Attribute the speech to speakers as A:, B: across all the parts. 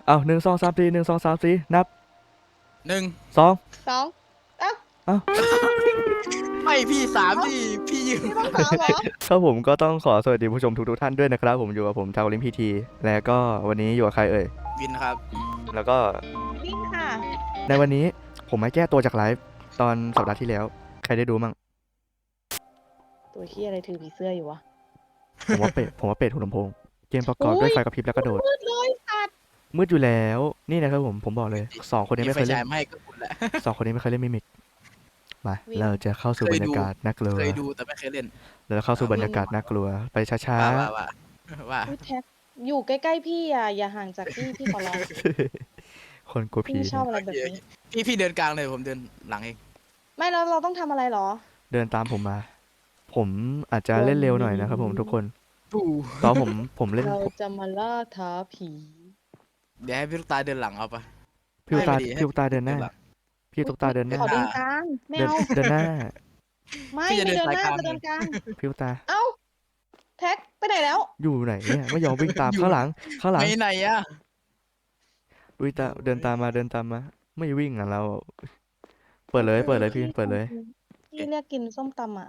A: เอา1 2 3 41 2 3 4นับ
B: 1
A: 2
C: 2เอ้า
A: เอ้า
B: ไม่พี่3ดิพี่ยืน
C: พี่ต้อง3เหรอ
A: ครับผมก็ต้องขอสวัสดีผู้ชมทุกท่านด้วยนะครับผมอยู่กับผมชาวลิมพีทีและก็วันนี้อยู่กับใครเอ่ย
B: วินครับ
A: แล้วก็
C: วิ่งค่ะ
A: ในวันนี้ผมมาแก้ตัวจากไลฟ์ตอนสัปดาห์ที่แล้วใครได้ดูมั่ง
C: ตัวเฮียอะไรถือผีเสื้ออยู่วะ
A: ผมว่าเป็ดหูลำโพงเกมประกอบด้วยไฟกระพริบและกระโดด
C: มืดเลยสัตว์
A: มืดอยู่แล้วนี่นะครับผมบอกเลย2 คนนี้ไม่เคย
B: ไฟ
A: เล่
B: ฉาย
A: น
B: ไม่ให้ก็คุณแหละ
A: 2 คนนี้ไม่เคยเล่นมิมิกมาเราจะเข้าสู่บรรยากาศน่ากลัว
B: เคยดูแต่ไม่เคยเล่น
A: เราเข้าสู่บรรยากาศน่ากลัวไปช้า
B: ว่า
C: อุ๊ยแท็กอยู่ใกล้ๆพี่อ่ะอย่าห่างจากพี่ขอร้อง
A: ๆ คนกลัว
C: พี่
A: ผี
C: ไม่ชอบ
A: เนี่ย
C: อะไรแบบนี้
B: พี่เดินกลางเลยผมเดินหลังเอง
C: ไม่แล้วเราต้องทำอะไรหรอ
A: เดินตามผมมา ผมอาจจะเล่นเร็วหน่อยนะครับผมทุกคน
B: ปู
A: ตอนผมเล่น
C: เราจะมาล่าท้าผี
B: เดี๋ยวให้พี่ลูกตาเดินหลังเอาปะ
A: พี่ตุ๊กตา
B: ให้
A: พี่ตุ๊กตาเดินหน้า
B: หลัง
A: พี่ตุ๊กตาเดินหน้า
C: ขอเดินกลางไม่
A: เดิน
C: เอา
A: เดินหน้า
C: ไม่
B: พี่จะ
C: ไม่
B: เดิน
C: เดินหน้า
B: สายกลาง
C: จะเดินกลาง
A: พี่ตุ๊กตา
C: เอ้าแท็กไปไหนแล้ว
A: อยู่ไหนเนี่ยไม่ยอมวิ่งตามข้างหลัง
B: ไปไหนอะ
A: วิ่งตามเดินตามมาไม่วิ่งอ่ะเราเปิดเลยพี่เปิดเลย
C: พี่เรียกกินส้มตำอ่ะ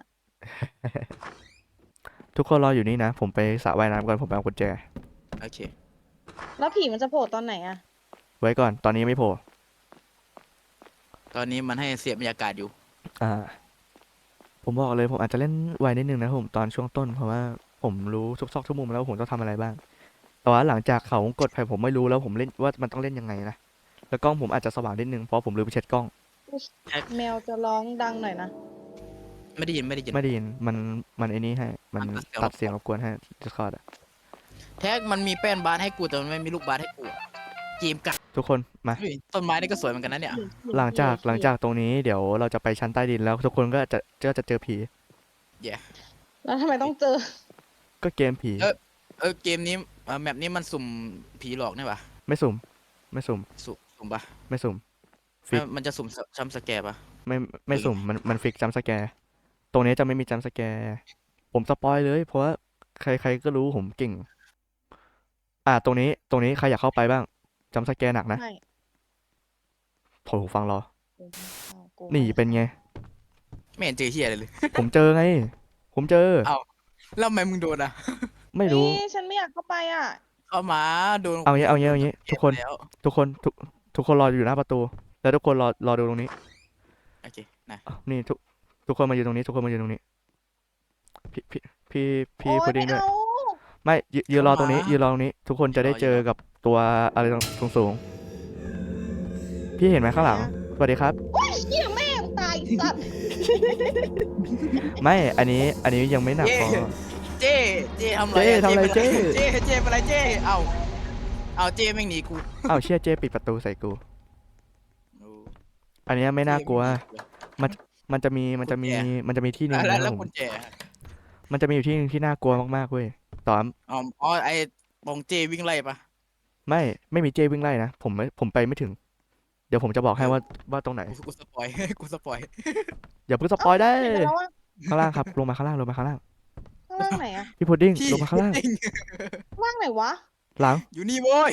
A: ทุกคนรออยู่นี่นะผมไปสระว่ายน้ำก่อนผมไปเอากุญแจ
B: โอเค
C: แล้วผีมันจะโผล่ตอนไหนอ่ะ
A: ไว้ก่อนตอนนี้ไม่โผล่
B: ตอนนี้มันให้เสียบบรรยากาศอยู่
A: อ่า ผมบอกเลยผมอาจจะเล่นไวนิดนึงนะผมตอนช่วงต้นเพราะว่าผมรู้ทุกซอกทุกมุมแล้ววาผมต้องทำอะไรบ้างแต่ว่าหลังจากเขาวงกดไปผมไม่รู้แล้วผมเล่นว่ามันต้องเล่นยังไงนะแล้วกล้องผมอาจจะสว่างนิดนึงเพราะผมลืมไปเช็ดกล้อง
C: แมวจะร้องดังหน่อยนะ
B: ไม่ได้ยิน
A: ไม่ได้ยินมันไอ้นี่ให้มัน
B: มันตั
A: ตั
B: ด
A: ด
B: เสี
A: เสี
B: ย
A: ย
B: ง
A: งรบกวนให้ Discord อะ
B: แท็กมันมีแป้นบาสให้กูแต่มันไม่มีลูกบาสให้กูเกมกัด
A: ทุกคนมา
B: เฮ้ยต้นไม้นี่ก็สวยเหมือนกันนะเนี่ย
A: หลังจากตรงนี้เดี๋ยวเราจะไปชั้นใต้ดินแล้วทุกคนก็จะเจอผี
C: แล้วทำไมต้องเจอ
A: ก็เกมผี
B: เกมนี้แมปนี้มันสุ่มผีหลอกนี่ปะ
A: ไม่สุ่ม
B: สุ่มปะ
A: ไม่สุ่ม ฟิก
B: มันจะสุ่มซัมสแกร์ปะ
A: ไม่สุ่มมันฟิกจัมป์สแกร์ตรงนี้จะไม่มีจัมป์สแกร์ผมสปอยเลยเพราะว่าใครก็รู้ผมเก่ง ตรงนี้ใครอยากเข้าไปบ้างจัมป์สแกร์หนักนะ
C: ไม่
A: โถหูฟังรอ
C: กู
A: นี่เป็นไง
B: ไม่เห็นเจอเฮียอะไรเลย
A: ผมเจอไง ผมเจอ
B: เอ้า แล้วทำไมมึงโดนอ่ะ
A: ไม่รู้
C: นี่ฉันไม่อยากเข้าไปอ่ะ
B: เข้ามาโดน
A: เอางี้ทุกคน
B: แล้ว
A: ทุกคนรออยู่หน้าประตู แล้วทุกคนรอดูตรงนี้
B: โอเคนะ
A: นี่ทุกคนมาอยู่ตรงนี้ ทุกคนมาอยู่ตรงนี้ พี่
C: โอ๊ย
A: พุดดิ้งด้วย
C: ไม่เอา
A: ไม่ยืนรอตรงนี้ ทุกคนจะได้เจอกับตัวอะไรสูงๆพี่เห็นไหมข้างหลังสวัสดีครับ
C: โอ๊ยเหี้ยแม่งตายสัตว์
A: ไม่อันนี้ยังไม่หนักพอ
B: เจทำอะไร
A: เจ้ทำอะไรเจ้
B: เจเป็นไรเจเอาเจแม่งหนีกู
A: อ้าวเชี่ยเจปิดประตูใส่กู อันนี้ไม่น่ากลัว มันจะมีที่หนึ่ง
B: แล้ว
A: นะ
B: แล้ว
A: ผม
B: กุญแจ
A: มันจะมีอยู่ที่หนึ่งที่น่ากลัวมากๆเว้ยตอน
B: อ๋อไอ้บองเจวิ่งไล่ปะ
A: ไม่มีเจวิ่งไล่นะผมไปไม่ถึง เดี๋ยวผมจะบอกให้ว่าตรงไหน
B: กูสปอย กูสปอย
A: อย่าเพิ่งสปอยได้
C: เอ้าปิดไปแล้วอะ
A: ข้างล่างครับลงมาข้างล่าง
C: ข้างล่างไหนอะ
A: พี่พุดดิ้ง
B: พี่
A: ลงมาข้างล่าง
C: ข้างล่างไหนวะ
A: หลัง
B: อยู่นี่โว้ย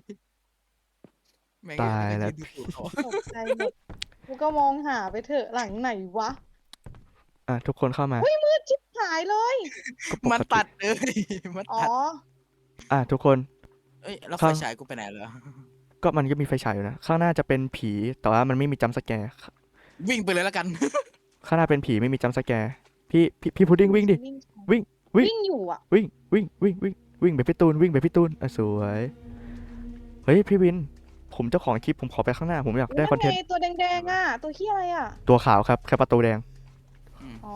B: แม่ง
A: ตายแล้ว
B: ดูถูกเขา
C: ตกใจหมดกูก็มองหาไปเถอะหลังไหนวะ
A: ทุกคนเข้ามา
C: มืดชิบหายเลย
A: ก็ป
B: มัน
A: ก
B: ตั
A: ติ
B: ดเลยมัน
C: อ๋อ
B: ตัด
A: ทุกคน
B: เอ้ยแล้ว
A: ครั
B: ไฟ
A: บ
B: ฉายกูไปไหนแล้ว
A: ก็มันก็มีไฟฉายอยู่นะข้างหน้าจะเป็นผีแต่ว่ามันไม่มีจัมป์สแกร์
B: วิ่งไปเลยแล้วกัน
A: ข้างหน้าเป็นผีไม่มีจัมป์สแกร์พี่พุดดิ้งวิ่งดิ วิ่ง
C: วิ่งอยู่อ่ะ
A: วิ่งไปพี่ตูนสวยเฮ้ยพี่วิน ผมเจ้าของคลิปผมขอไปข้างหน้าผมอยากได้คอนเทนต์
C: ไงตัวแดงๆอ่ะ ตัวเหี้ยอะไรอ่ะ
A: ตัวขาวครับแค่ประตูแดง
C: อ๋อ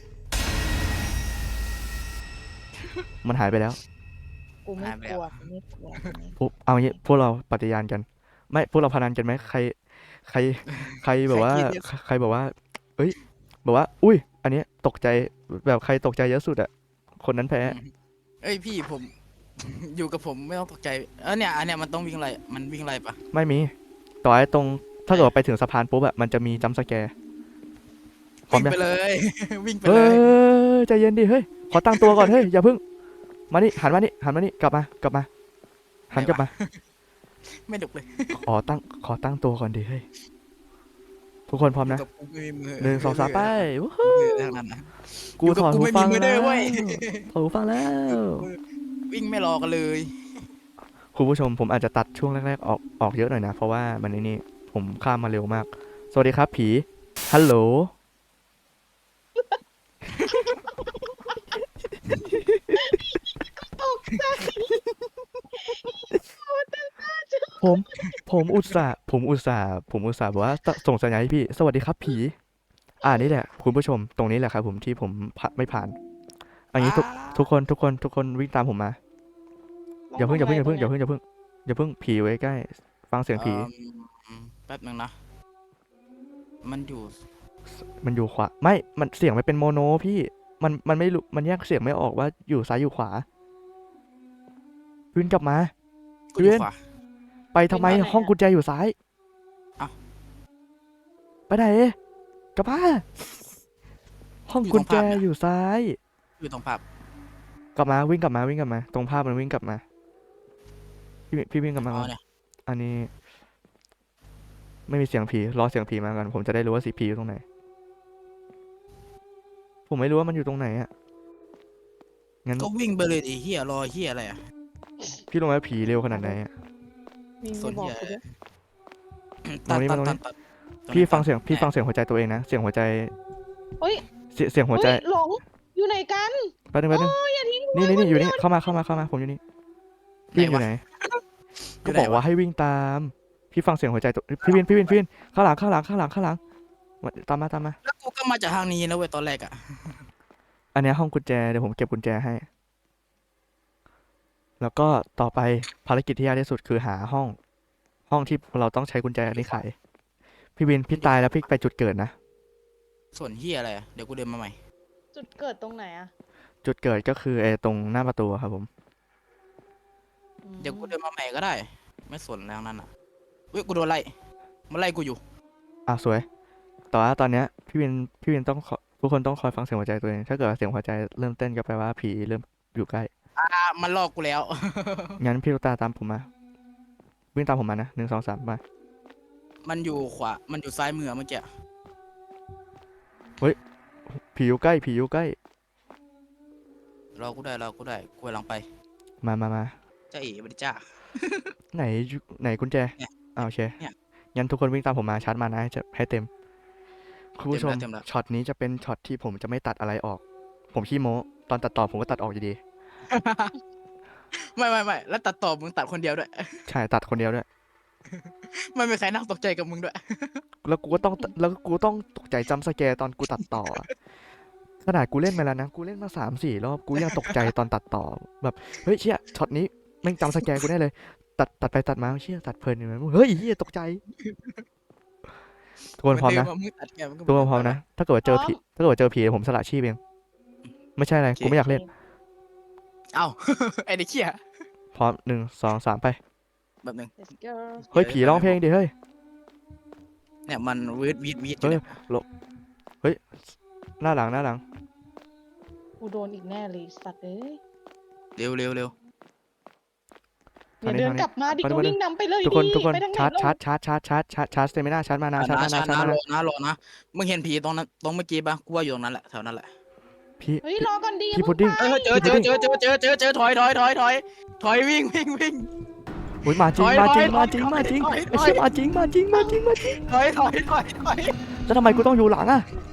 A: มันหายไปแล้ว
C: กูไม่กลัวกูไม่กลัว
A: เอางี้พวกเราปฏิญาณกัน ไม่พวกเราพนันกันไหมใครแบบว่าใครบอกว่า เอ้ยบอกว่า อุ้ย อันเนี้ยตกใจแบบใครตกใจเยอะสุดอะคนนั้นแพ้
B: เอ้ยพี่ผม อยู่กับผมไม่ต้องตกใจเนี่ยอันเนี้ยมันต้องวิ่งไล่มันวิ่งไล่ปะ
A: ไม่มี ต่อให้ตรงถ้าเกิดว่าไปถึงสะพานปุ๊บอะมันจะมีจัมป์สแกร์ พร้อม
B: วิ่ง
A: ยัง
B: ไปเลย วิ่งไป
A: เฮ้
B: เลย
A: ยใจเย็นดิเฮ้ยขอตั้งตัวก่อนเฮ้ยอย่าเพิ่งมานี่หันมานี่กลับมาหันกลับมา
B: ไม่ดุเลย
A: ขอตั้งตัวก่อนดิเฮ้ยทุกคนพร้อม
B: อยู่
A: นะ
B: กับกูไม่มีมือ
A: หนึ่งสองสามไปวู้
B: มื
A: ฮู้
B: อทั้งนั้นนะ
A: กู
B: อยู่
A: ถ
B: กับ
A: อด
B: กู
A: หู
B: ไม่มี
A: ฟัง
B: มือ
A: แล้
B: เด้อ
A: ว
B: เว้ย
A: ถอดหูฟังแล้ว
B: วิ่งไม่รอกันเลย
A: คุณผู้ชมผมอาจจะตัดช่วงแรกๆออกเยอะหน่อยนะ เพราะว่ามันนี่ผมข้ามมาเร็วมาก สวัสดีครับผีฮัลโหลผมผมอุตส่าห์บอกว่าส่งสัญญาณให้พี่สวัสดีครับผีนี่แหละคุณผู้ชมตรงนี้แหละครับผมที่ผมไม่ผ่านอันนี้ทุกคนวิ่งตามผมมาอย่าเพิ่งผีไว้ใกล้ฟังเสียงผี
B: แป๊บนึงนะ มันอยู่
A: มันอยู่ขวาไม่มันเสียงมันเป็นโมโนพี่มันไม่รู้มันแยกเสียงไม่ออกว่าอยู่ซ้ายอยู่ขวาวิ่งกลับมา
B: กูอยู่
A: เวียน
B: ขวา
A: ไปทำไมห้องกุญแจอยู่ซ้าย
B: เอ้า
A: ไปไหนกลับมาห้องกุญแจอยู่ซ้าย
B: อยู่ตรงภาพ
A: กลับมาวิ่งกลับมาตรงภาพมันวิ่งกลับมาพี่วิ่งกลับมา
B: อ๋
A: ก่
B: อ
A: อน
B: เนี่ย
A: อันนี้ ไม่มีเสียงผีรอเสียงผีมาก่อนผมจะได้รู้ว่าสีผีอยู่ตรงไหน ผมไม่รู้ว่ามันอยู่ตรงไหนอ่ะงั้น
B: ก็วิ่งไปเลยดิเฮียรอเฮียอะไรอ่ะ
A: พี่รู้ไหมว่าผีเร็วขนาดไหนอะ
C: วิ่ง
B: ส่
C: ไป
B: วน
C: บอก
B: ใหญ่
C: กูด้วย
B: ตัด
A: พี่ฟังเสียงหัวใจตัวเองนะเสียงหัวใจ
C: เฮ้ย
A: เสียงหัวใจ
C: เฮ้ยหลงอยู่ไหนกัน
A: แป๊บนึง
C: อย่าทิ้ง
A: นี่อยู่นี่เข้ามาผมอยู่นี่พี่อยู่ไหน ก็บอกว่าให้วิ่งตาม พี่ฟังเสียงหัวใจตัวพี่วินข้างหลังตามมา
B: แล้วกูก็มาจากทางนี้นะเว้ยตอนแรกอ่ะ
A: อันเนี้ยห้องกุญแจเดี๋ยวผมเก็บกุญแจให้ แล้วก็ต่อไปภารกิจที่ยากที่สุดคือหาห้องที่เราต้องใช้กุญแจนี้ไขพี่วินพี่ตายแล้วพี่ไปจุดเกิดนะ
B: ส่วนเฮียอะไรอ่ะเดี๋ยวกูเดินมาใหม่
C: จุดเกิดตรงไหนอะ
A: จุดเกิดก็คือตรงหน้าประตูอะครับผม
B: เดี๋ยวกูเดินมาใหม่ก็ได้ ไม่สนแล้วนั้นอ่ะเว้ยกูโดนไล่มันไล่กูอยู่
A: สวยแต่ว่าตอนเนี้ยพี่วินต้องทุกคนต้องคอยฟังเสียงหัวใจตัวเองถ้าเกิดว่าเสียงหัวใจเริ่มเต้นก็แปลว่าผีเริ่มอยู่ใกล้
B: มันลอกกูแล้ว
A: งั้นพี่ลูกตาตามผมมาวิ่งตามผมมานะ1 2 3มา
B: มันอยู่ขวา มันอยู่ซ้ายมือเมื่อกี้
A: ผีอยู่ใกล้
B: รอกูได้กูกำลังไป
A: มา
B: จ้าเอ๋บริจ้า
A: ไหนกุญแจ
B: เนี่ย
A: โอเค
B: เนี่ย
A: งั้นทุกคนวิ่งตามผมมาชาร์จมานะให้เต็มคุณผู้ชม
B: เต็มแล้ว
A: ช็อตนี้จะเป็นช็อตที่ผมจะไม่ตัดอะไรออก ผมขี้โม้ตอนตัดต่อผมก็ตัดออกอยู่ดี
B: ไม่แล้วตัดต่อมึงตัดคนเดียวด้วย
A: ใช่ตัดคนเดียวด้วย
B: ไม่มีใครนั่งตกใจกับมึงด้วย
A: แล้วกูก็ต้องตกใจจำสแกร์ตอนกูตัดต่ออะขนาดกูเล่นมาแล้วนะกูเล่นมา3-4 รอบกูยังตกใจตอนตัดต่อแบบเฮ้ยเชี่ยช็อตนี้แม่งจำสแกร์กูได้เลย ตัดไปตัดมาเชี่ยตัดเพลินอยู่นะเฮ้ยเฮียตกใจทุกคนพร้อมนะ
B: เหมือนเดิมึงตัดแกมึงก็
A: ทุกคนพร้อมนะถ้าเกิดว่าเจอผีผมสละชีพเองไม่ใช่อะไรกูไม่อยากเล่น
B: เอ้า ไอ้เด็กเขี้ย
A: พร้อม1 2 3ไป
B: แบบนึง
C: Let's go
A: เฮ้ยผีร้องเพลงดิเฮ้ย
B: เนี่ยมันวีดอยู่
A: เฮ้ย
B: เนี่ย
A: เฮ้ยหน้าหลัง
C: กูโดนอีกแน่เลยสัตว์เอ้ย
B: เร็ว
C: อย่าเดินกลับมาดิก็วิ่งนำไปเลย
A: ทุกคน
C: ดิไปทางไหน
A: ชาร์จสเตมิน่าชาร์จมานะชาร์จมานะ
B: รอนะมึงเห็นผีตรงนั้นตรงเมื่อกี้ปะกูว่าอยู่ตรงนั้นแหละแถวนั้นแหละ
A: พี่
C: เฮ้ยรอก่อนดี
A: พี่พุดดิ้ง
B: เจอถอยวิ่ง
A: อุ้ยมาจริง
B: ถอย
A: ไอ้
B: ถอย
A: เชี่ยมาจริง
B: ถอย
A: ไอ้เชี่ยมาจริง
B: ถอย
A: แล้วทำไมกูต้องอยู่หลังอะ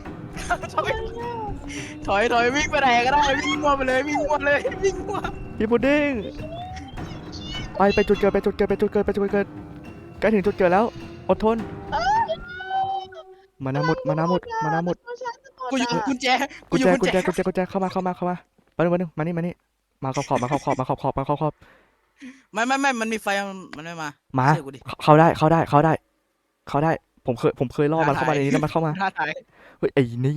B: ถอยวิ่งไปไหนก็ได้วิ่งมั่วไปเลยวิ่งมั่ว
A: พี่พุดดิ้งไปจุดเกิดใกล้ถึงจุดเกิดแล้วอดทนมานาหมด
B: กูอยู่กุญแจ
A: กุญแจเข้ามาไปนึงมานี่มาขอบ
B: ไม่มันมีไฟมันไม่มา
A: มา
B: เชื่อกูดิ
A: เข้าได้ผมเคยล่อมันเข้ามาในนี้แล้วมันเข้ามา
B: ท้าทาย
A: เฮ้ยไอ้นี่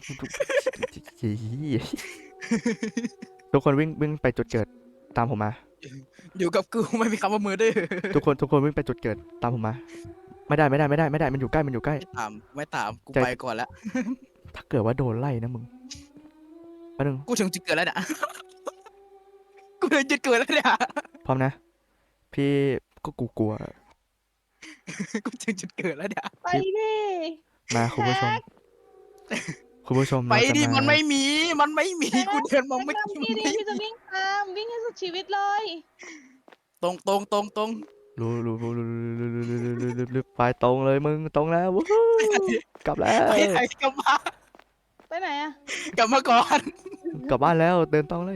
A: ทุกคนวิ่งไปจุดเกิดตามผมมา
B: อยู่กับกูไม่มีคำว่ามือดื้อ
A: ทุกคนวิ่งไปจุดเกิดตามผมมาไม่ได้มันอยู่ใกล้
B: ไม่ถามกู
A: ใจ
B: ไปก่อนแล้ว
A: ถ้าเกิดว่าโดนไล่นะมึงแป๊บนึง
B: กูถึงจุดเกิดแล้วเนี่ย กูถึงจุดเกิดแล้วเนี่ย
A: พร้อมนะพี่ก็กูกลัว
B: กูถึงจุดเกิดแล้วเนี่ย
C: ไปดิ
A: มาคุณผู้ชม
C: แท็ก
A: คุณผู้ชม
B: ไป
A: เราจะ
B: ดิ
A: มา
B: มันไม่มีกูเดินมา
C: แท็ก
B: ไม่
C: นำพี่ดิพี่จะวิ่งตามวิ่งให้สุดชีวิตเลย
B: ตรง
A: รู้ไปตรงเลยมึงตรงแล้ววู้ฮู้กลับแล้ว
B: ไปไหนกลับมา
C: ไปไหนอะ
B: กลับมาก่อน
A: กลับบ้านแล้วเดินตรงเลย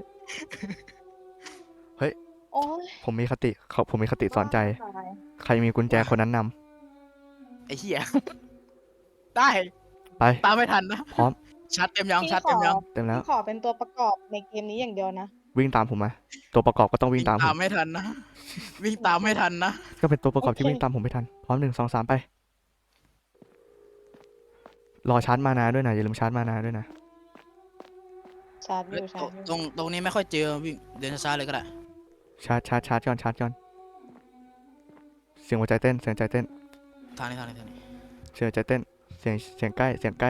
C: โอ้ย
A: ผมมีคติสอนใจ
C: ตาย
A: ใครมีกุญแจคนนั้นน
B: ไอ้เหี้ยได้
A: ำไป
B: ตามไม่ทันนะ
A: พร้อม
B: ชัดเต็มยัง
C: พี่
B: ชัด
C: ข
B: เต็
C: อ
B: มยัง
A: เต็มแล้ว
C: พี่ขอเป็นตัวประกอบในเกมนี้อย่างเดียวนะ
A: วิ่งตามผมมาตัวประกอบก็ต้องวิ่งตามผม
B: ไม่ทันนะวิ่งตามไม่ทันนะ
A: ก็เป็นตัวประกอบที่
C: โอเค
A: วิ่งตามผมไม่ทันพร้อม1 2 3ไปรอชาร์จมานาด้วยนะอย่าลืมชาร์จมานาด้วยนะ
C: ชาร์จอยู่ชาร์จอยู่
B: ตรงนี้ไม่ค่อยเจอวิ่งเดินช้าๆเลยก็ได้
A: ชาร์จก่อนเสียงหัวใจเต้น
B: ทางนี้
A: เสียงหัวใจเต้นเสียงใกล้เสียง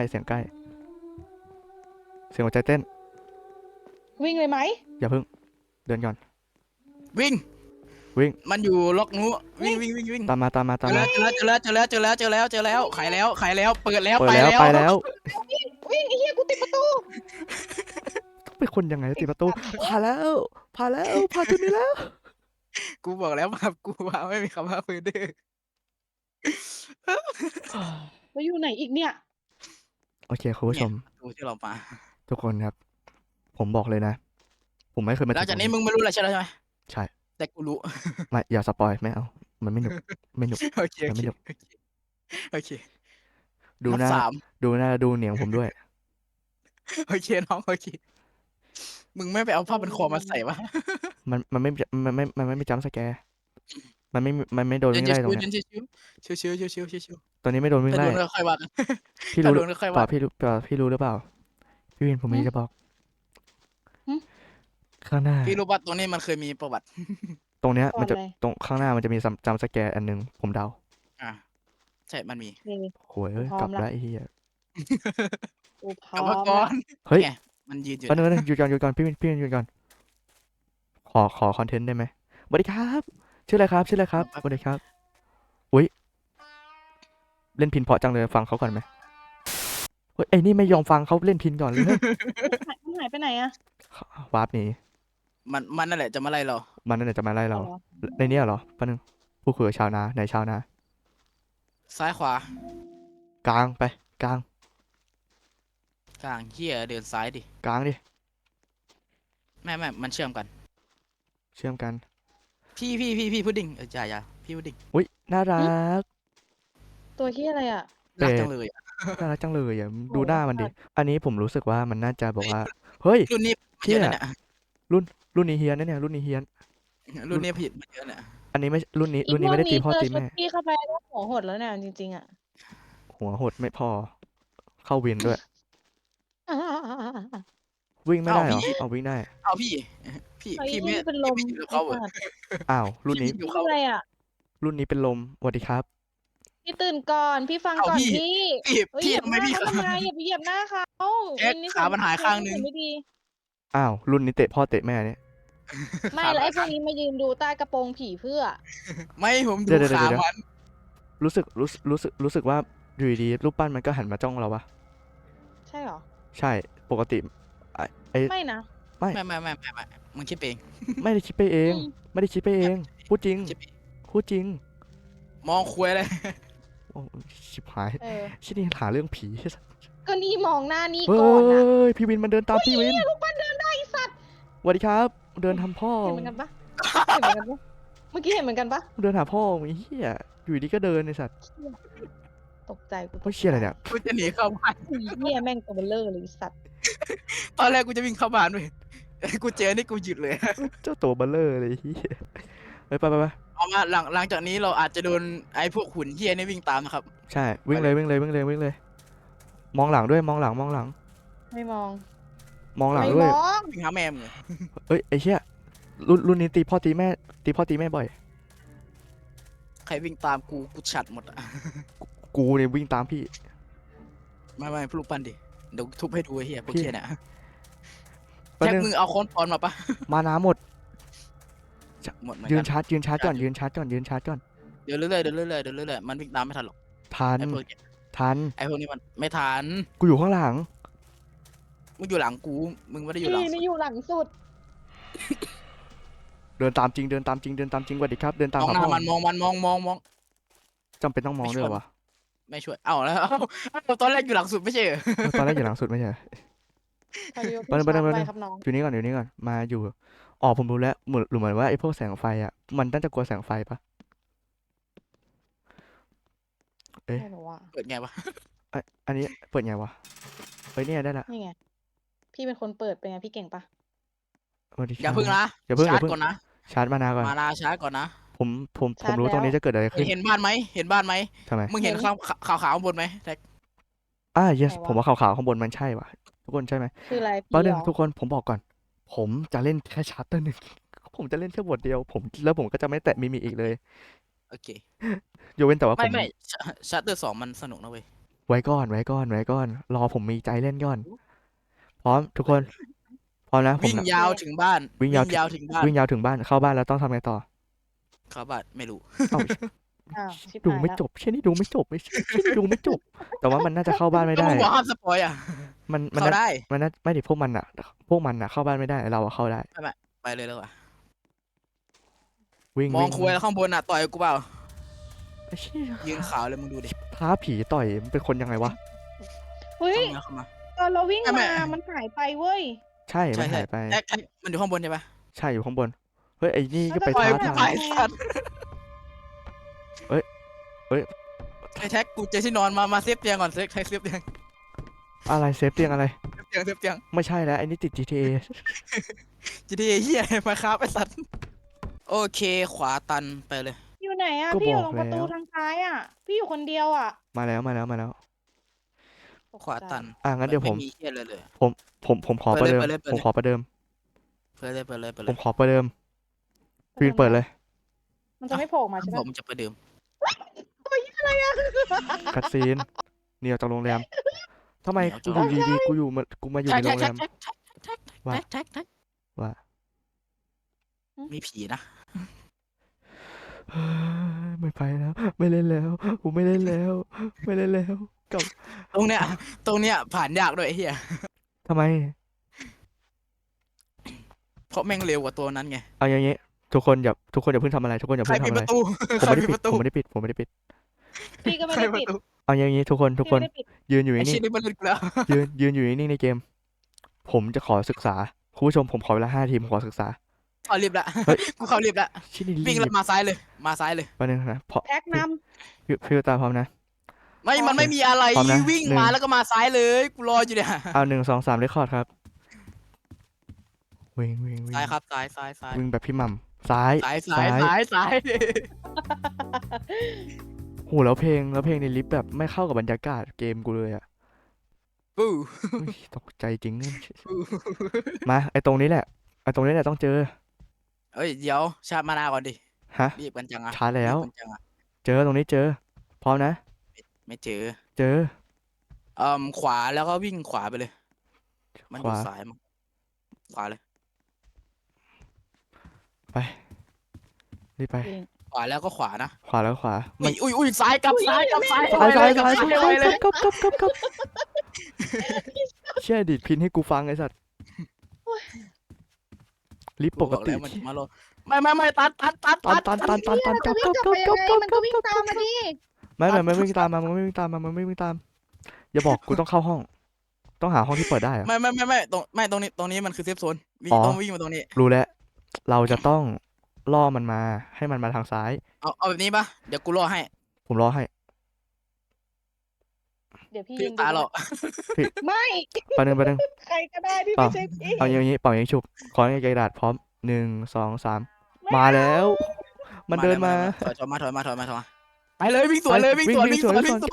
A: หัวใจเต้น
C: วิ่งเลยไหม
A: อย่าเพิ่งเดินก่อน
B: วิ่ง มันอยู่ล็อกนู้วิ่ง
A: ตามมา
B: เจอแล้วขายแล้วเปิดแล้ว
A: เปิดแล้วไปแล้ว
C: วิ่งไอ้เหี้ยกูติดประตู
A: ต้องเป็นคนยังไงติดประตูผ่านแล้วผ่านจุดนี้แล้ว
B: กูบอกแล้วมากูว่าไม่มีคำว่าเฟอร์เดอร์
C: แล้วอยู่ไหนอีกเนี่ย
A: โอเคคุณผู้ชม
B: ดูที่เรามา
A: ทุกคนครับ ผมบอกเลยนะ ผมไม่เคยมา
B: หลังจากนี้
A: ตร
B: มึงไม่รู้อะไรใช่ไหม
A: ใช่
B: แต่กูรู้
A: ไม่อย่าสปอยไม่เอามันไม่หนุก
B: โอเค
A: ยังไม่จบ
B: โอเค
A: ดูหน้า
B: นับ 3
A: ดูเหนียงผมด้วย
B: โอเคน้องโอเคมึงไม่ไปเอาผ้าพันคอมาใส่วะ
A: มันไม่มีจัมป์สแกร์มันไม่โดนวิ่งไล่ตรงเนี้ย
B: ชิว
A: ตอนนี้ไม่โดนวิ่ง
B: ถ้า
A: ไล่
B: โดนก็ค่อยว่ากัน
A: พี่
B: ถ้า
A: รู้
B: โดนก็ค่อย
A: เปล่า
B: ว่า
A: พี่รู้หรือเปล่าพี่วินผมมี
C: หึ
A: จะบอก
C: หึ
A: ข้างหน้า
B: พี่รู้ว่าตรงนี้มันเคยมีประวัติ
A: ตรงเนี้ย
C: ก่อน
A: มันจะ
C: เลย
A: ตรงข้างหน้ามันจะมีจัมป์สแกร์อันหนึงผมเดา
B: อ่ะใช่มันมี
C: นี่
A: โหยเอ้ย
C: พร้อม
A: กลับ
C: ละ
A: แล้วไอ้เหี้ย
C: กูพ
B: กลั
C: ร้
B: บ
C: อ
B: มาม ก่อ
C: ละ
B: น
A: เฮ้ย
B: ไงมันยืนอยู่
A: แป๊บนึงหยุดก่อนพี่วินหยุดก่อนขอคอนเทนต์ได้ไหมสวัสดีครับชื่ออะไรครับสวัสดีครับอุ้ยเล่นพินเพราะจังเลยฟังเขาก่อนไหมเฮ้ยไอ้นี่ไม่ยอมฟังเขาเล่นพินก่อนเลย
C: มันหายไปไหนอะ
A: วาร์ปหนี
B: มันนั่นแหละจะมาไล่เรา
A: มันนั่นแหละจะมาไล่เรา
C: เอาเหรอ
A: ในเนี้ยเหรอแป๊บนึงผู้คุยกับชาวนาไหนชาวนา
B: ซ้ายขวาก
A: ลางไปกลาง
B: กลางเหี้ยเดินซ้ายดิ
A: กลางดิ
B: ไม่มันเชื่อมกัน
A: เชื่อมกัน
B: พี่พุดดิ้งอย่าพี่พุดดิ้ง
A: อุ้ยน่ารัก
C: ตัวที่อะไรอะ
B: รัก
A: เป็ด
B: จังเลยอะ
A: น่ารักจังเลยอ่ะดู
C: โอ้
A: หน้ามันดิ
C: สัตว์
A: อันนี้ผมรู้สึกว่ามันน่าจะบอกว่าเฮ้ย
B: รุ่นนี้
A: เชี่
B: เย
A: ย
B: อะนะเนี่ย
A: รุ่นนี้เฮียนนะเนี่ยรุ่นนี้เฮียน
B: รุ่นนี้ผิดมันเยอะเนี่ย
A: อันนี้ไม่รุ่นนี้ไม่ได้ตีพ่อตี
C: เจ
A: แม่
C: ชุดพี่เข้าไปแล้วหัวหดแล้วเนี่ยจริงๆอะ
A: หัวหดไม่พอ เข้าวินด้วย วิ่งไม่ได้เหรอเอาวิ่งได้
B: เอาพี่
C: ไอ้
B: พี่
C: นี่
B: ไม่
C: เป็นลม
B: พี่ไม่อยู่กับเขาเหรอ
C: ไอ้สัตว์
A: อ้าวรุ่นนี้
B: พี่อยู่
C: ทำอะไรอะ
A: รุ่นนี้เป็นลมสวัสดีครับ
C: พี่ตื่นก่อนพี่ฟัง
B: เอา
C: ก่อน
B: พี่
C: พี่
B: พี่
C: เฮ้ย
B: พี่
C: เหยียบ
B: ทำไม
C: หน้า
B: พี่
C: เขาทำไมอย่าไปเหยียบหน้าเขา
B: แจ็ค
C: นิสัย
B: ขามันหายข้างนึง
C: ไม่ดี
A: อ้าวรุ่นนี้เตะพ่อเตะแม่เนี่ย
C: ไม่แล้วไอ้พวกนี้มายืนดูใต้กระโปรงผีเพื่อ
B: ไม่ผมดู
A: เดี๋ยว
B: ขามัน
A: รู้สึกว่าอยู่ดีๆรูปปั้นมันก็หันมาจ้องเราปะ
C: ใช่เหรอ
A: ใช่ปกติไอ้
C: ไม่นะ
B: ไม่มึงคิดเอง
A: ไม่ได้คิดไปเอง
C: อืม
A: ไม่ได้คิดไปเองพูดจริง
B: คิดเอง
A: พูดจริง
B: มองคุยเลย
A: โอ้ชิบหาย
C: เออ
A: ชินี่หาเรื่องผี
C: ก็นี่มองหน้านี่
A: เฮ้
C: ก่อนนะ
A: ยพี่วินมันเดินตามพี่วิน
C: ลูกปั้นเดินได้ไอ้สัตว์
A: สวัสดีครับ เดินทำพ่อ
C: เห็นเหมือนกันปะเห็นเหมือนกันปะเมื่อกี้เห็นเหมือนกันปะ
A: เดินหาพ่อไอ้เหี้ยอยู่ดีก็เดินไอ้สัตว์
C: ตกใจกู
A: เฮ้ยเชี่ยอะไรเนี่ย
B: กูจะหนีเข้าบ้าน
C: เหี้ยแม่งตัวเบลเลอร์เลยไอ้สัตว์
B: ตอนแรกกูจะวิ่งเข้าบ้านด้วยกูเจอนี่กูหยุดเลย
A: เจ้าตัวเบลเลอร์เลยไอ้เหี้ยไป
B: เอามาหลังจากนี้เราอาจจะโดนไอ้พวกหุ่นเฮียนี่วิ่งตามนะครับ
A: ใช่วิ่งเลยมองหลังด้วยมองหลัง
C: ไม่มอง
A: มองหลัง
C: ไม่
A: ด้วย
C: มอง
B: วิ่งหาแม่มึงเลย
A: เอ้ยไอ้เหี้ยรุ่นนี้ตีพ่อตีแม่บ่อย
B: ใครวิ่งตามกูฉัดหมดอ่ะ
A: กูเนี่ยวิ่งตามพี่
B: ไม่พลุกปั้นดิเดี๋ยวทุบให้ดูไอ้เฮียพวกเฮียเนี่ย
A: แป๊บ
B: แจ็ค
A: นึง
B: มึงเอาค้อนปอนมาปะ
A: มาน้ำหมด
B: หมดเหมือน
A: ยื
B: กัน น
A: ชาร์จยืนชาร์จก่อนยืนชาร์จก่อนยืนชาร์จก่อน
B: เดี๋ยวเรื่อยๆเดี๋ยวเรื่อยๆเดี๋ยวเรื่อยๆมันวิ่งตามไม่ทันหรอก
A: ทัน
B: ไอ้พวกเนี้ย
A: ทัน
B: ไอ้พวกนี้มันไม่ทัน
A: กูอยู่ข้างหลัง
B: มึงอยู่หลังกูมึงไม่ได้อยู่หลัง
C: พี่นี่อยู่หลังสุด
A: เดินตามจริงเดินตามจริงเดินตามจริงสวัสดีครับเดินตาม
B: มอง
A: หา
B: หน้า
A: พ่อ
B: มันมอง
A: จำเป็นต้องมองด้วยเหรอวะ
B: ไม่ช่วยเอ้าแล้วตอนแรกอยู่หลังสุดไม่ใช่เหรอ
A: ตอนแรกอยู่หลังสุดไม่ใช่เหรอ
C: พายุ
A: ไปเลย
C: พี่ชาร์จ
A: ไป
C: ไป
A: เลย
C: ครับน้อง
A: อยู่นี่ก่อนอยู่นี่ก่อนมาอยู่อ๋อผมรู้แล้วเหมือนว่าไอ้พวกแสงไฟอ่ะมันน่าจะกลัวแสงไฟปะ
C: ไม่รู้ว่า
B: เปิดไงวะ
A: อันนี้เปิดไงวะเฮ้ยเนี่ยได้ละ
C: นี่ไง พี่เป็นคนเปิดเป็นไงพี่เก่งปะ
A: สวัสดี
B: อย่า
A: ครับ
B: พึ่งนะ
A: อย่าเพิ่ง
B: ชาร์จ
A: อย่าเพิ่ง
B: ก่อนนะ
A: ชาร์จมานาก่อน
B: มานาชาร์จก่อนนะ
A: ผมรู้ตรงนี้จะเกิดอะไรขึ้น
B: เห็นบ้านไหมเห็นบ้านไหม
A: ทำไม
B: มึงเห็นขาวข้างบนไหมแท็ก
A: yes ผมว่าขาวๆข้างบนมันใช่ว่ะทุกคนใช่ไหม
C: คืออะไร
A: แป๊บ
C: พี่
A: นึ
C: เห
A: ง
C: รอ
A: ทุกคนผมบอกก่อน ผมจะเล่นแค่ชาร์เตอร์หนึ่ง ผมจะเล่นแค่บทเดียวแล้วผมก็จะไม่แตะมิมิอีกเลย
B: โอเค
A: ยกเว้นแต่ว่าผ
B: ไม่
A: ม
B: ไม่ชาร์เตอร์2มันสนุกนะเว้ย
A: ไว้ก่อนรอผมมีใจเล่นก่อน พร้อมทุกคนพร้อมนะผม
B: วิ่ง
A: นะ
B: ยาวถึงบ้าน
A: วิ่งยาว
B: ถึงบ้าน
A: วิ่งยาวถึงบ้านเข้าบ้านแล้วต้องทำไงต่อ
B: เข้าบ้านไม่รู้
A: เอ้า
C: อ้าวชิบ
A: ดู
C: หาย
A: ไม่
C: แล้ว
A: จบเช่นนี้ดูไม่จบไม่ใช่เช่นนี้ดูไม่จบ แต่ว่ามันน่าจะเข้าบ้านไม่
B: แล้ว
A: ได้
B: มึงบอกห้ามสปอยอ่ะ
A: มัน
B: เข้า
A: น่า
B: ได้
A: มันน่าไม่ดิพวกมันอะเข้าบ้านไม่ได้เราอะเข้าได้
B: ไปเลยแล้วอ่ะ
A: วิ่ง
B: มอง
A: วิ่ง
B: คุยแล้วข้างบนอ่ะต่อยกูเปล่า
A: ไอ้เชี่ย
B: ยืนขาวเลยมึงดูดิ
A: ท้าผีต่อยมันเป็นคนยังไงวะ
C: เฮ้ย
B: เข้ามา
C: ตอนเราวิ่ง
B: ไม่
C: มามันหายไปเว้ย
A: ใช่มันหายไป
B: แท็กมันอยู่ข้างบนใช่ปะ
A: ใช่อยู่ข้างบนเฮ้ยไอ้นี่ก็ไป
C: ปล่อย
A: ท้า
C: มัน
A: ทาย
B: ไปสัตว์
A: เอ้ย
B: ไอ้แท็กกูเจอที่นอนมาเซฟเตียงก่อนเซฟเซฟเตียง
A: อะไรเซฟเตียงอะไร
B: เซฟเตียง
A: ไม่ใช่แล้วไอ้นี่ติด GTA
B: จะได้เฮียมาครับไอ้สัตว์โอเคขวาตันไปเลย
C: อยู่ไหนอ่ะ
A: ก็
C: พี่อยู่
A: บอก
C: ตรงประตู
A: แล้ว
C: ทางซ้ายอ่ะ พี่อยู่คนเดียวอ่ะ
A: มาแล้ว
B: ขวาตัน
A: งั้นเดี๋ยวผม
B: ไมีเฮียเลยเลย
A: ผมขอประเดิม
B: เปิดเลย
A: ผมขอประเดิม
B: เปิดเลย
A: ผมขอประเดิมฟินเปิดเลย
C: มันจะไม่โผล่มาใช่
B: บ
C: ปะ
B: อกมึงจะประเดิม
A: คัดซีนเนี่ยวจากโรงแรมทำไมกูอยู่ดีๆกูมาอยู่ในโรงแรม ว่า
B: แท็ก
A: ว่า
B: มีผีนะ
A: ไม่ไปแล้ว ไม่เล่นแล้วกูไม่เล่นแล้วกลับ
B: ตรงเนี้ยผ่านยากด้วยไอ้เฮีย
A: ทำไม
B: เพราะแม่งเร็วกว่าตัวนั้นไง
A: เอาอย่างงี้ทุกคนอย่าเพิ่งทำอะไรทุกคนอย่า
B: ใคร
A: เพิ่งทำ
B: ปิด
A: อะ
B: ป
A: ไร
B: ระตู
A: ผมไม่ได้
B: ใคร
A: ปิด
B: ประตู
A: ผมไม่ได้ปิด
C: พี่ก็ไม่
B: ใคร
C: ได้
B: ประ
C: ปิด
B: ตู
A: เอาอย่างงี้ทุกคน
C: พี่ไม่ได้ปิด
A: ยืนอยู่
B: ไอ้
A: นิ่
B: ชิ้
A: ง
B: นนี้มันเล่นกูแล้ว
A: ยืนอยู่นิ่งในเกม ผมจะขอศึกษาคุณผู้ชมผมขอเวลา5 นาทีผมขอศึกษา
B: เข้ารีบละ
A: เฮ้ย
B: กูเข้ารีบละ
A: ชิ้นนี้
B: วิ่ง
A: รี
B: แล้ว
A: บ
B: มาซ้ายเลย
A: แป๊บนึงนะเพราะ
C: แท็กน
A: ฟิวตาพร้อมนะ
B: มันไม่มีอะไร
A: พร้อมนะ
B: วิ่ง
A: หนึ่ง
B: มาแล้วก็มาซ้ายเลยกูรออยู่เนี่ย
A: เอา1 2 3เรคคอร์ดครับวิ่ง
B: ซ้ายครับซ้าย
A: วิ่งแบบพี่หม่ำซ้าย
B: ซ้าย
A: โหแล้วเพลงในลิฟต์แบบไม่เข้ากับบรรยากาศเกมกูเลยอ่ะ
B: ปู้
A: อุ๊ยตกใจจริง มาไอ้ตรงนี้แหละต้องเจอ
B: เอ้ยเดี๋ยวชาร์จมานาก่อนดิ
A: ฮะ
B: รีบกันจังอะ
A: ช้าแล้ว
B: รีบกันจังอะ
A: เจอตรงนี้เจอ พร้อมนะ
B: ไม่เจอ
A: เจอ
B: ขวาแล้วก็วิ่งขวาไปเลย มันอ
A: ข
B: ยู่
A: วา
B: ซ้ายมั้งขวาเลย
A: ไปรีบไป
C: ำจริง
B: ขวาแล้วก็ขวานะ
A: ขวาแล้วขวา
B: อุ้ยซ้ายกลับซ้าย
A: ซ้าย
B: ไปเลย
A: กบเชื่อดิดพินให้กูฟังไอ้สัตว์ลิฟต์ปกติ
B: บอกแล้วมันมาโลไม่ตัด
A: ตัน
C: จะวิ่งกลับไปยังไงมันก็วิ่งตามมาดิ
A: ไม่ไม่วิ่งตามมามันไม่วิ่งตาม อย่าบอกกูต้องเข้าห้อง ต้องหาห้องที่เปิดได้อะ
B: ไม่ตรงนี้มันคือเซฟโซนวิ่ง
A: อ๋อ
B: ต้องวิ่งมาตรงนี้
A: รู้แล้ว เราจะต้องล่อมันมาให้มันมาทางซ้าย
B: เอาแบบนี้ปะเดี๋ยวกูรอให้
A: ผมรอให้
C: เดี๋ยวพี่
B: พี่
C: ยืน
B: ตาหรอก
C: ไม่
A: ปะนึง
C: ใครก็ได้ที่
A: เปล่า
C: ไม่ใช่พี่
A: เอาอย่างนี้เป่าอย่างนี้ฉุบขอให้กระดาษพร้อม1 2 3มาแล้ว มันเดินมา
B: ถอยมาไปเลยวิ่งสวนเลยวิ่งสวน
C: ไม่ตายพี่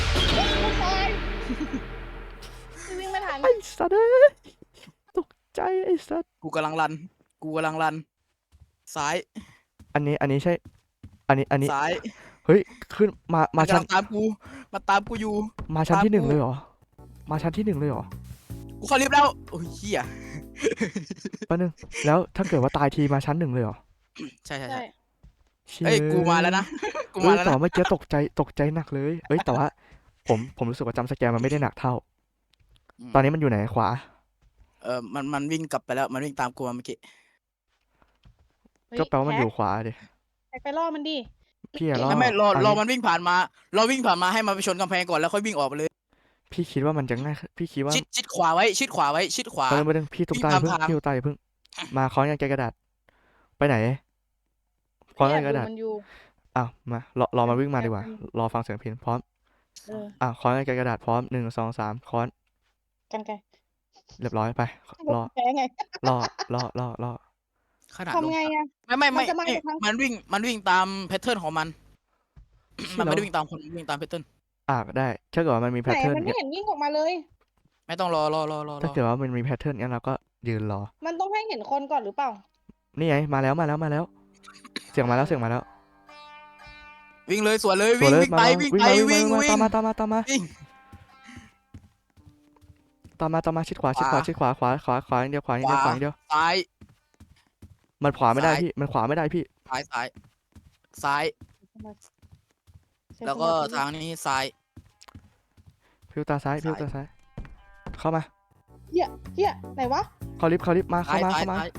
C: วิ่งไม่ทัน
A: ไอ้สัตว์เอ้ยตกใจไอ้สัตว์
B: กูกำลังรันซ้าย
A: อันนี้ใช่อันนี้
B: ซ้าย
A: เฮ้ยขึ้นมา
B: มัน
A: ชั้น
B: กำลังตามกูอยู่
A: มาชั้นที่
B: ตามกู
A: 1เลยเหรอมาชั้นที่ 1เลยเหรอ
B: กูเข้าลิฟต์แล้วโอ้ยเหี้ย
A: แป๊บนึงแล้วถ้าเกิดว่าตายทีมาชั้น 1เลยเหรอ
B: ใช่ใช่
C: ใช่
B: ใช่
A: เชี่ย
B: เอ้ยกูมาแล้วนะ กู
A: เอ้
B: มาย แล้ว
A: แต่
B: นะ
A: ว่าเมื่อกี้ตกใจหนักเลย เอ้ยแต่ว่าผมรู้สึกว่าจำสแกร์มันไม่ได้หนักเท่า
B: อืม
A: ตอนนี้มันอยู่ไหนขวา
B: มันวิ่งกลับไปแล้ว มันวิ่งตามกูมาเมื่อกี้
C: เฮ้ย
A: ก็แปลว่ามันอยู่
C: แท็ก
A: ขวาดิ
C: แท็กไปล่อมันดิ
A: พี่อะล่อ
B: ไม่รอ
A: อัน
B: รอ
A: นี้
B: มันวิ่งผ่านมา รอวิ่งผ่านมาให้มันไปชนกำแพงก่อนแล้วค่อยวิ่งออกไปเลย
A: พี่คิดว่ามันจะง่าย พี่คิดว่า
B: ชิดขวาไว้ ชิดขวาไว้ ชิดขวา
A: ไปนึงพี่ตุ๊ก
B: วิ่ง
A: ตา
B: ตาม
A: เพิ่ง
B: ทาง
A: พี่ตุ๊กตาอย่าเพิ่ง มาค้อนกันไกรกระดาษ ไปไหนค้อน
C: แอ
A: กัน
C: บ
A: ไกรก
C: ดู
A: ระดาษ
C: มันอยู่
A: อ้าวมารอมันวิ่งมา
C: แอบ
A: ดีกว่า
C: มัน
A: รอฟังเสียงพินพร้อม
C: เออ
A: อ้าวค้อนกันไกรกระดาษพร้อม1 2 3ค้อน
C: กันไกล
A: เรียบร้อยไปรอ
C: แพ้ไง
A: รอ
B: ขนาดลง
C: ทำไงอะ
B: ไม่
C: มันจะมาจากทาง
B: มันวิ่งตามแพทเทิร์นของมัน
A: เชี่
B: มั
A: ย
B: น
A: แล้
B: ไม่
A: ว
B: ได้วิ่งตามคนมันวิ่งตามแพทเทิร์น
A: ได้ถ้าเกิดว่ามันมีแพ
C: ไหน
A: ทเทิร์น
C: มันไม่
A: เนี่ย
C: เห็นวิ่งออกมาเลย
B: ไม่ต้องรอ
A: ถ้าเกิดว่ามันมีแพทเทิร์นงั้นเราก็ยืนรอ
C: มันต้องให้เห็นคนก่อนหรือเปล่า
A: นี่ไงมาแล้ว เสียงมาแล้ว
B: วิ่งเลยสวนเลย
A: สวนเลย
B: วิ่งไป วิ่งไป วิ่ง
A: ตามมา
B: วิ่ง
A: ชิดขวา
B: ขวา
A: ขวาอย่างเดียว
B: ขวา ซ้าย
A: มันขวาไม่ได้
B: ซ้าย
A: พี่ มันขวาไม่ได้พี่
B: ซ้าย
C: ใช้
B: แล้วก็
C: สมาธิ
B: ทางนี้ซ้าย
A: พิวตาซ้าย เข้ามา
C: เฮียไหนวะ
A: เข้าลิฟต์มา
B: ซ้าย
A: เข้ามา
B: ซ้าย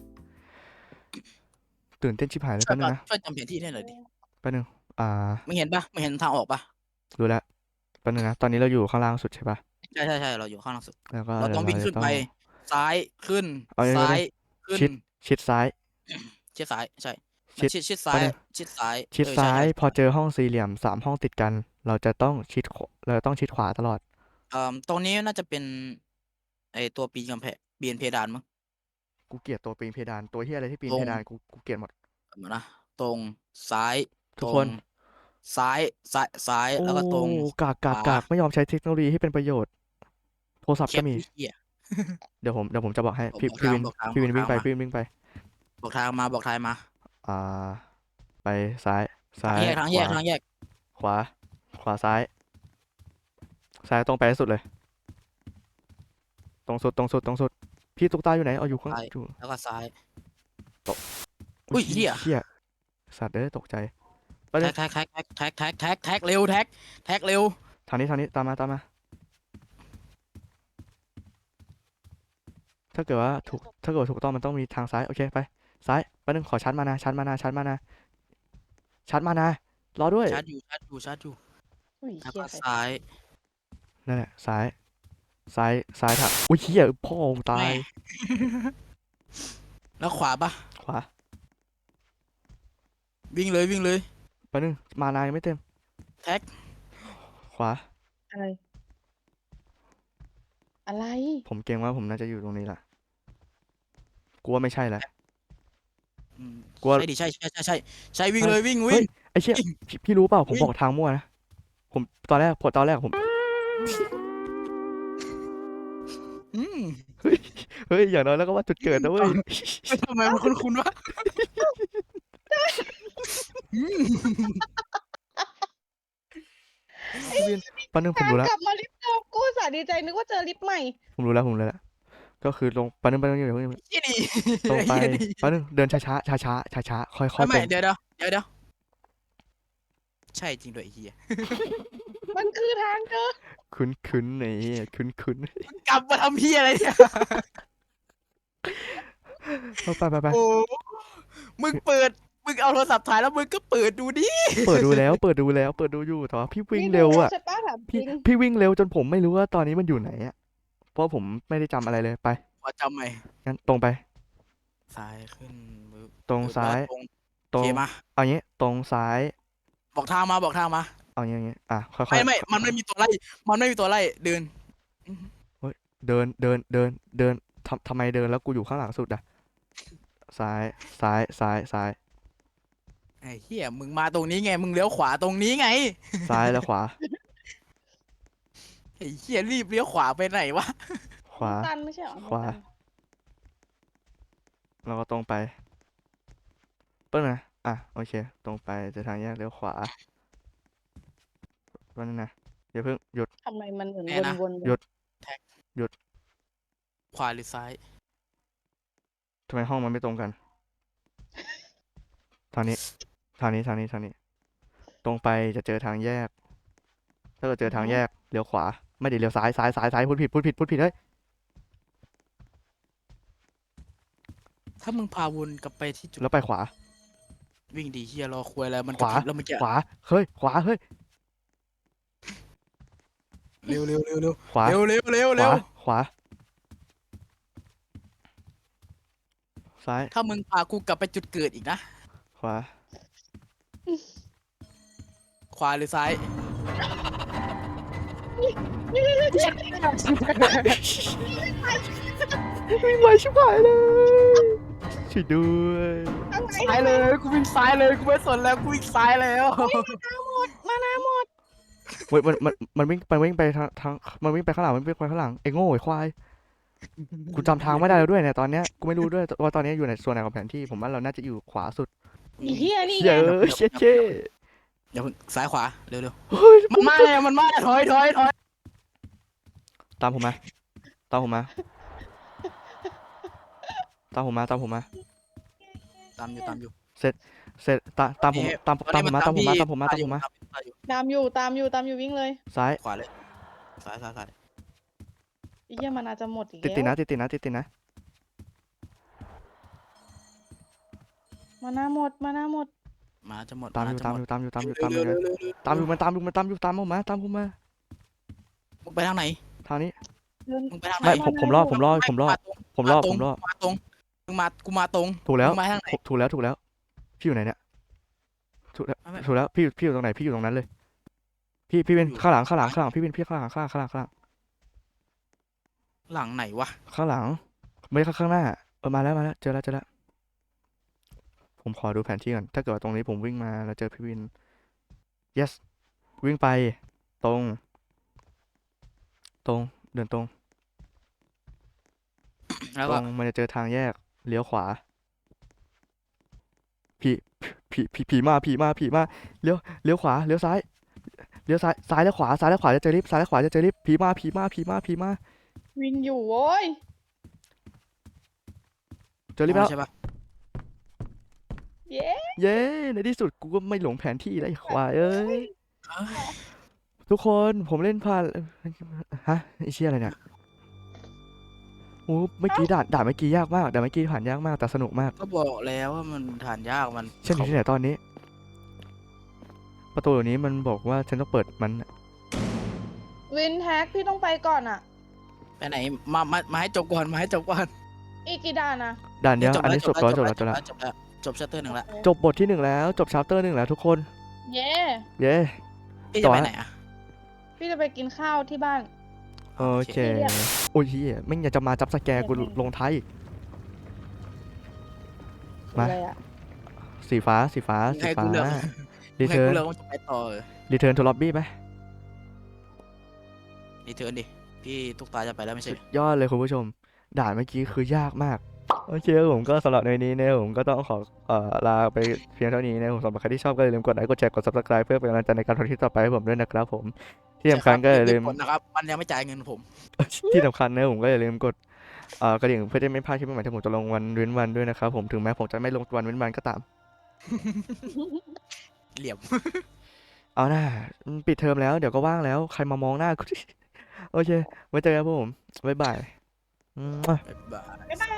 A: ตื่นเต้นชิบหายเลย
B: ช่ว
A: แป๊
B: ย
A: บนึงนะ
B: ช่วยจำแผนที่ให้หน่อยดิ
A: แป๊บนึง
B: มึงเห็นปะมึงเห็นทางออกปะ
A: รู้แล้วแป๊บนึงนะ ตอนนี้เราอยู่ข้างล่างสุดใช่ปะ
B: ใช่ เราอยู่ข้างล่างสุด
A: แล้วก็
B: เราต้องวิ่ง
A: เดี๋ยว
B: ขึ้น
A: จะ
B: ไป ซ้าย ขึ้น
A: เอาอย่างนี้
B: ซ้าย
A: ก็ได้
B: ขึ้น
A: ชิดซ้าย
B: ชิดซ้าย ใช่
A: ชิด
B: ชิดซ้าย
A: แป๊บนึง
B: ชิดซ้าย
A: ชิด
B: เออ
A: ซ้า
B: ใช่
A: ย พอเจอห้องสี่เหลี่ยม3 ห้องติดกัน เราจะต้องชิดขวาตลอด
B: ตรงนี้น่าจะเป็น ไอตัวปีนกำแพงปีนเพดานมั้ง
A: กูเกลียดตัวปีนเพดาน ตัวเฮียอะไรที่ปีน
B: ตรง
A: เพดานกูเกลียดหมด
B: เดี๋ยวนะ ตรง ซ้าย
A: ทุก
B: ตร
A: ค
B: ง
A: น
B: ซ้าย
A: โอ้
B: แล้วก็ตรง
A: กากไม่ยอมใช้เทคโนโลยีให้เป็นประโยชน์ โทรศัพท์
B: แค
A: ก็
B: ป
A: มี
B: เหี้ย
A: เดี๋ยวผมจะบอกให้
B: บอก
A: พี่วิน
B: บอกทาง
A: พี่วิน
B: บอก
A: วิ่งไป
B: ทาง
A: พี่วินวิ่งไป
B: บอกทางมา บอกทางมา
A: อ่า ไปซ้าย
B: ทางแยก ทางแยก
A: ขวาซ้ายตรงไปให้สุดเลย ตรงสุด พี่ตุ๊กตาอยู่ไหนเอาอยู่ข้าง
B: ซ้าย
A: อยู่
B: แล้วก็ซ้าย
A: อุ๊ย
B: เหี้ย
A: เหี้ยสัตว์ตกใจไปเลย
B: แท็กเร็วแท็กเร็ว
A: ทางนี้ตามมาถ้าเกิดว่าถูกต้องมันต้องมีทางซ้ายโอเคไปซ้ายไปนึงขอชาร์จมานะรอด้วย
B: ชาร์จอยู่
C: อุ้ย
B: แล้ว
C: เฮี
B: ก็
C: ยใคร
B: ซ้าย
A: นั่นแหละซ้ายถักอุ้ยเหี้ยพ่อมึงตาย
B: แม่ แล้วขวาปะ
A: ขวา
B: วิ่งเลย
A: ไปนึงมานายงไม่เต็ม
B: แท็ก
A: ขวา
C: อะไร
A: ผมเกรงว่าผมน่าจะอยู่ตรงนี้แหละกูว่าไม่ใช่แล้ว กลัว
B: ใช่ดิใช่วิ่งเลยวิ่ง
A: เฮ้ยไอ้เชี่ยพี่รู้เปล่าผม
B: วิ่ง
A: บอกทางมั่วนะผมตอนแรกผม
B: อืม
A: เฮ้ยอย่างน้อยแล้วก็ว่าจุดเกิดนะเว้ย
B: ไม่ทำไมมันคุ้นๆวะอืม
A: พี่วินแป๊บนึงผมรู้แล้ว
C: กลับมาลิฟต์เดิมกูอุตสาห์ดีใจนึกว่าเจอลิฟต์ใหม่
A: ผมรู้แล้วก็คือลงแป๊บนึงอย่าเพิ่ง
B: ยี่ดี
A: ตรงไป
B: เหี้ยดิ
A: แป๊บนึงเดินช้าค่อยๆต
B: ไม่
A: รง
B: เดี๋ยวใช่จริงด้วยไอ้เฮีย
C: มันคือทางเจอ
A: คุ้นๆไอ้เหี้ยคุ้น
B: กลับมาทำเฮียอะไรเนี่ย
A: ไป
B: โอ้มึงเอาโทรศัพท์ถ่ายแล้วมึงก็เปิดดูดิ
A: เปิดดูอยู่แต่ว่าพี่วิ่งเร็วอ่ะ
C: ใช่ป้าถามจริง
A: พี่วิ่งเร็วจนผมไม่รู้ว่าตอนนี้มันอยู่ไหนอ่ะเพราะผมไม่ได้จำอะไรเลยไป
B: ขอจำใหม่
A: งั้นตรงไป
B: ซ้ายขึ้นปึ๊บ
A: ตรงซ้าย
B: ตรง
A: ตรง
B: โอเคมา
A: เอางี้ตรงซ้าย
B: บอกทางมา
A: เอาอย่างงี้ค่อยๆ
B: ไม่มันไม่มีตัวไล่เดิน
A: เดินทำไมเดินแล้วกูอยู่ข้างหลังสุดอ่ะซ้าย
B: ไอ้เหี้ยมึงมาตรงนี้ไงมึงเลี้ยวขวาตรงนี้ไง
A: ซ้ายแล้วขวา
B: ไอ้เหี้ยรีบเลี้ยวขวาไปไหนวะ
A: ขวา
C: ตันไม่ใช่เหรอ
A: ขวา แล้วก็ตรงไปเปิ้ลนะโอเคตรงไปจะทางแยกเลี้ยวขวาวันนั้นนะอย่าเพิ่งหยุด
C: ทำไมมันเหมือน
B: แน่นะ
C: วนๆ
A: หยุด
B: ขวาหรือซ้าย
A: ทำไมห้องมันไม่ตรงกันทางนี้ทางนี้ทางนี้ทางนี้ ตรงไปจะเจอทางแยก ถ้าเกิดเจอทางแยกเลี้ยวขวา ไม่ได้เลี้ยวซ้ายซ้ายซ้ายซ้ายพูดผิดพูดผิดพูดผิดเฮ้ย
B: ถ้ามึงพาวนกลับไปที่จุด
A: แล้วไปขวา
B: วิ่งดีเฮียรอคุยแล้วมัน
A: ขวา
B: กระพริบแล้วมันจะ
A: ขวาเฮ้ยขวาเฮ้ย
B: เร็วเร็วเร็วเร็ว
A: ขวา
B: เร็วเร็วเร็ว
A: ข
B: เร็
A: วาว ขวาซ้าย
B: ถ้ามึงพากูกลับไปจุดเกิดอีกนะ
A: ขวา
B: ขวาหรือซ้าย
A: วิ่งไวชิบหายเลยช่วยด้วย
B: ซ้ายเลยกูวิ่งซ้ายเลยกูไม่สนแล้วกูวิ่งซ้ายแล้ว
C: มานาหมด
A: เว้ยมันวิ่งไปทางมันวิ่งไปข้างหลังมันวิ่งไปข้างหลังไอ้โง่ไอ้ควายกูจำทางไม่ได้แล้วด้วยเนี่ยตอนเนี้ยกูไม่รู้ด้วยว่าตอนนี้อยู่ในส่วนไหนของแผนที่ผมว่าเราน่าจะอยู่ขวาสุด
C: อีเฮียนี่
A: เย้ยเช่
B: อย่าเพิ่งซ้ายขวาเร็วเร็ว
A: เฮ้ย
B: มันมาแล้วมันมาแล้วถอยถอยถอย
A: ตามผมมาตามผมมาตามผมมาตามผมมา
B: ตามอยู่ตามอยู่
A: เสร็จตามผมตามผมมาตามผมมาตามผมมาตามผมมา
C: ตามอยู่วิ่งเลย
A: ซ้าย
B: ขวาเลยซ้ายซ้ายซ้าย
C: อีเฮียมันอาจจะหมดอีก
A: ติด
C: แล้ว
A: ติดนะ
C: มานาหมด
B: มาจะหมด
A: ตามอยู่
B: จะหมด
A: ตามอยู่
B: เร็วเร็วเร็วเร็ว
A: ตามอยู่มันตามผมมาตามผมมา
B: มึงไปทางไหน
A: ทางนี้
B: มึงไปทางไหน
A: ไม่ผมรอ
B: มาตรง มาตรงมึงมากูมาตรง
A: ถูกแล้ว
B: มึงมาทางไหน
A: ถูกแล้วพี่อยู่ไหนเนี่ยถูกแล้วพี่อยู่ตรงไหนพี่อยู่ตรงนั้นเลย พี่เป็นข้างหลังพี่เป็นพี่ข้างหลัง
B: หลังไหนวะ
A: ข้างหลังไม่ข้างหน้ามาแล้วเจอแล้วผมขอดูแผนที่ก่อนถ้าเกิดว่าตรงนี้ผมวิ่งมาแล้วเจอพี่วิน yes วิ่งไปตรงเดินตรง
B: แล้ว
A: ต
B: ก็
A: รงมันจะเจอทางแยกเลี้ยวขวาผีมาเลี้ยวขวาเลี้ยวซ้ายซ้ายแล้วขวาจะเจอลิฟต์ผีมา
C: วิ่งอยู่โว้ย
A: เจอลิฟต์แล้ว
B: ใช่ปะ
C: เย้
A: เย้ในที่สุดกูก็ไม่หลงแผนที่แล้วไอ้ควายเอ้ยทุกคนผมเล่นผ่านฮะไอ้เชี่ยอะไรเนี่ยโอ้เมื่อกี้ด่านเมื่อกี้ยากมากด่านเมื่อกี้ผ่านยากมากแต่สนุกมาก
B: ก็บอกแล้วว่ามันฐานยากมัน
A: เช่นอยู่ที่ไหนตอนนี้ ประตูเดี๋ยวนี้มันบอกว่าฉันต้องเปิดมัน
C: วินแท็กพี่ต้องไปก่อนอ่ะ
B: ไปไหนมาให้จบก่อนมาให้จบก่อน
C: อีกกี่ด่านอ่ะ
A: ด่านเดียวอันนี้จบแล้ว
B: จบแล้วจบชัตเตอร์หนึ่งแล้ว
A: จบบทที่1แล้วจบชาร์เตอร์1แล้วทุกคน
C: เย้
A: เย้
B: พี่
A: ต่
B: จะ
A: อ
B: ไป
A: ฮะ
B: ไหนอ่ะ
C: พี่จะไปกินข้าวที่บ้าน
A: โอเคโอ้ยเฮียไม่งอยากจะมาจับสแกร์กูลงท้ายอีก มา
C: อะไรอ่ะ
A: สีฟ้า
B: ให้กูเลือก
A: รี
B: ให้
A: เทิ
B: กู
A: ร์น
B: เลือกว่าจะไปต่อ
A: รีเทิร์นทูล็อบบี้ไหม
B: รีเทิร์นดิพี่ตุ๊กตาจะไปแล้วไม่ใช่
A: สุดยอดเลยคุณผู้ชม ด่านเมื่อกี้คือยากมากโอเคครับผมก็สำหรับในนี้นะผมก็ต้องขอลาไปเพียงเท่านี้นะผมสำหรับใครที่ชอบก็อย่าลืมกดไลค์กดแชร์กด subscribe เพื่อเป็นกำลังใจในการทำคลิปต่อไปให้ผมด้วยนะครับผมที่สำคัญก็อย่าลืม
B: นะครับมันยังไม่จ่ายเงินผม
A: ที่สำคัญนะผมก็อย่าลืมกดกระดิ่งเพื่อจะไม่พลาดคลิปใหม่ๆที่ผมจะลงวันเว้นวันด้วยนะครับผมถึงแม้ผมจะไม่ลงวันเว้นวันก็ตาม
B: เหลี่ยม
A: เอาหน้าปิดเทอมแล้วเดี๋ยวก็ว่างแล้วใครมามองหน้ากู โอเคไว้เจอกันครับผมบ๊ายบาย
B: บ๊ายบาย
C: บ๊ายบาย